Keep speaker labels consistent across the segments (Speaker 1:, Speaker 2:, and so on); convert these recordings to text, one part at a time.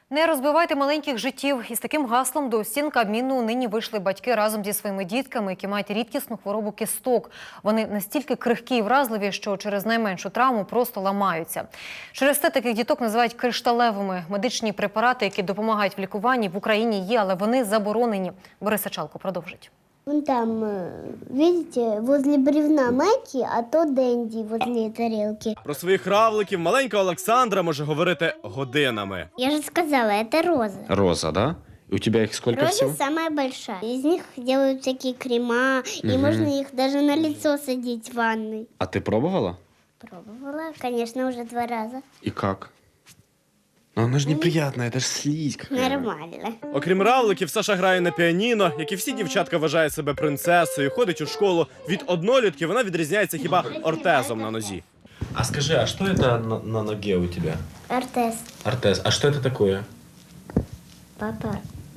Speaker 1: Не розбивайте маленьких життів. Із таким гаслом до стін Кабміну нині вийшли батьки разом зі своїми дітками, які мають рідкісну хворобу кісток. Вони настільки крихкі і вразливі, що через найменшу травму просто ламаються. Через це таких діток називають кришталевими. Медичні препарати, які допомагають в лікуванні, в Україні є, але вони заборонені. Борис Сачалко продовжить.
Speaker 2: Вон там, видите, возле бревна Майки, а то Дэнди возле тарелки.
Speaker 3: Про своїх равликів маленька Олександра може говорити годинами.
Speaker 2: Я же сказала, это роза.
Speaker 4: Роза, да? И у тебя их сколько
Speaker 2: Роза
Speaker 4: всего?
Speaker 2: самая большая. Из них делают всякие крема, и можно их даже на лицо садить в ванной.
Speaker 4: А ты пробовала?
Speaker 2: Пробовала, конечно, уже 2 раза.
Speaker 4: И как? Но она же неприятная, это же слизь какая-то.
Speaker 2: Нормально.
Speaker 3: Окрім равликів, Саша грає на піаніно, як і всі дівчатка вважає себе принцесою, ходить у школу. Від однолітків вона відрізняється хіба ортезом на нозі.
Speaker 4: А скажи, а что это на ноге у тебя?
Speaker 2: Артез.
Speaker 4: Ортез. А что это такое?
Speaker 2: Папа.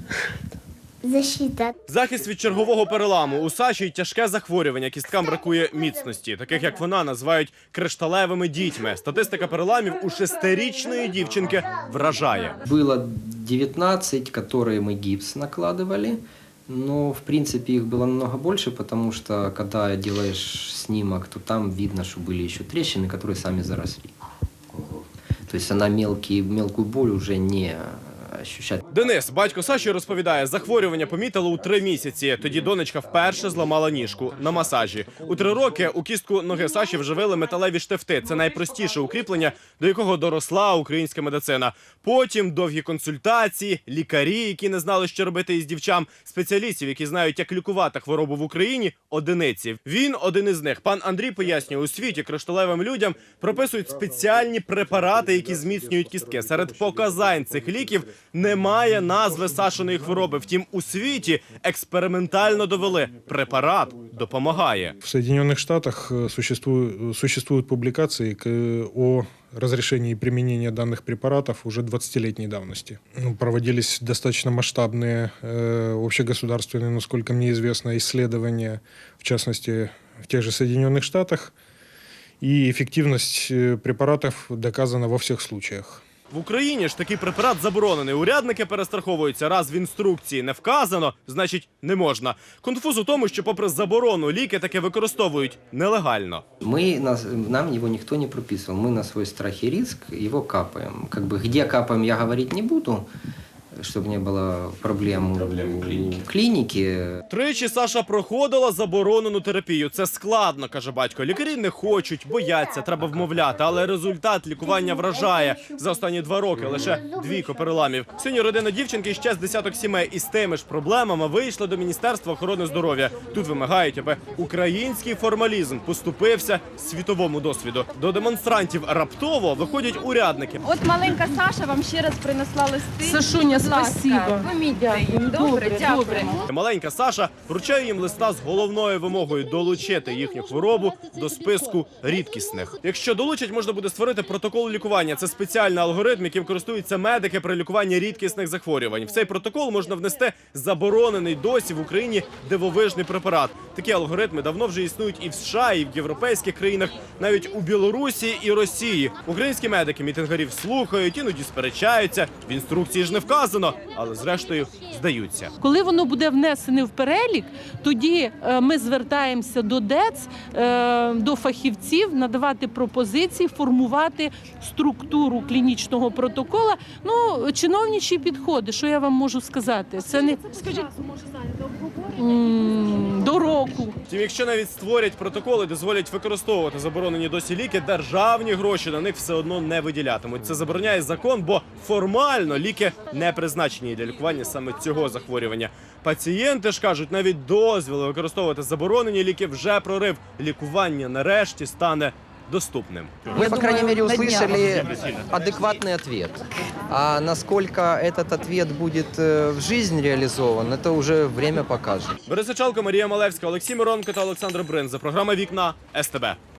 Speaker 2: Защита.
Speaker 3: Захист від чергового переламу. У Саші й тяжке захворювання, кісткам бракує міцності. Таких, як вона, називають кришталевими дітьми. Статистика переламів у 6-річної дівчинки вражає.
Speaker 5: Было 19, которые мы гипс накладывали, но в принципе их было намного больше, потому что когда делаешь снимок, то там видно, что были еще трещины, которые сами заросли. То есть она мелкую боль уже не ощущает.
Speaker 3: Денис, батько Саші, розповідає, захворювання помітили у 3 місяці. Тоді донечка вперше зламала ніжку на масажі. У 3 роки у кістку ноги Саші вживили металеві штифти. Це найпростіше укріплення, до якого доросла українська медицина. Потім довгі консультації, лікарі, які не знали, що робити із дівчам, спеціалістів, які знають, як лікувати хворобу в Україні, одиниці. Він один із них. Пан Андрій пояснює, у світі кришталевим людям прописують спеціальні препарати, які зміцнюють кістки. Серед показань цих ліків немає назви Сашиної хвороби. Втім, у світі експериментально довели – препарат допомагає.
Speaker 6: В Соединенных Штатах существуют публикации о разрешении применения данных препаратов уже 20-летней давности. Проводились достаточно масштабные общегосударственные, насколько мне известно, исследования, в частности, в тех же Соединенных Штатах. И эффективность препаратов доказана во всех случаях.
Speaker 3: В Україні ж такий препарат заборонений. Урядники перестраховуються. Раз в інструкції не вказано, значить не можна. Конфуз у тому, що попри заборону ліки таки використовують нелегально.
Speaker 5: Нам его никто не прописывал. Мы на свой страх и риск его капаем. Где капаем, я говорить не буду, чтобы не было проблем в клинике.
Speaker 3: Тричі Саша проходила заборонену терапію. Це складно, каже батько. Лікарі не хочуть, бояться, треба вмовляти. Але результат лікування вражає. За останні 2 роки лише 2 переламів. Сьогодні родина дівчинки і ще з десяток сімей із тими ж проблемами вийшла до Міністерства охорони здоров'я. Тут вимагають, аби український формалізм поступився світовому досвіду. До демонстрантів раптово виходять урядники.
Speaker 7: От маленька Саша вам ще раз принесла листи.
Speaker 8: Сашуня, спасибо.
Speaker 7: Помітьте її. Добре, дякуємо.
Speaker 3: Маленька Саша вручає їм листа з головною вимогою долучити їхню хворобу до списку рідкісних. Якщо долучать, можна буде створити протокол лікування. Це спеціальний алгоритм, яким користуються медики при лікуванні рідкісних захворювань. В цей протокол можна внести заборонений досі в Україні дивовижний препарат. Такі алгоритми давно вже існують і в США, і в європейських країнах, навіть у Білорусі і Росії. Українські медики мітингарів слухають, іноді сперечаються. В інструкції ж не вказано, але зрештою здаються.
Speaker 8: Коли воно буде внесене в перелік, тоді ми звертаємося до ДЕЦ, до фахівців, надавати пропозиції, формувати структуру клінічного протокола. Чиновничі підходи, що я вам можу сказати? Це не... Скажіть, до року.
Speaker 3: Втім, якщо навіть створять протоколи, дозволять використовувати заборонені досі ліки, державні гроші на них все одно не виділятимуть. Це забороняє закон, бо формально ліки не призначені для лікування саме цього захворювання. Пацієнти ж кажуть, навіть дозвіл використовувати заборонені ліки вже прорив. Лікування нарешті стане доступным.
Speaker 9: Мы, по крайней мере, услышали адекватный ответ. А насколько этот ответ будет в жизнь реализован, это уже время покажет.
Speaker 3: Борис Сачалко, Марія Малевська, Олексій Миронко та Олександр Бринза. Програма «Вікна» СТБ.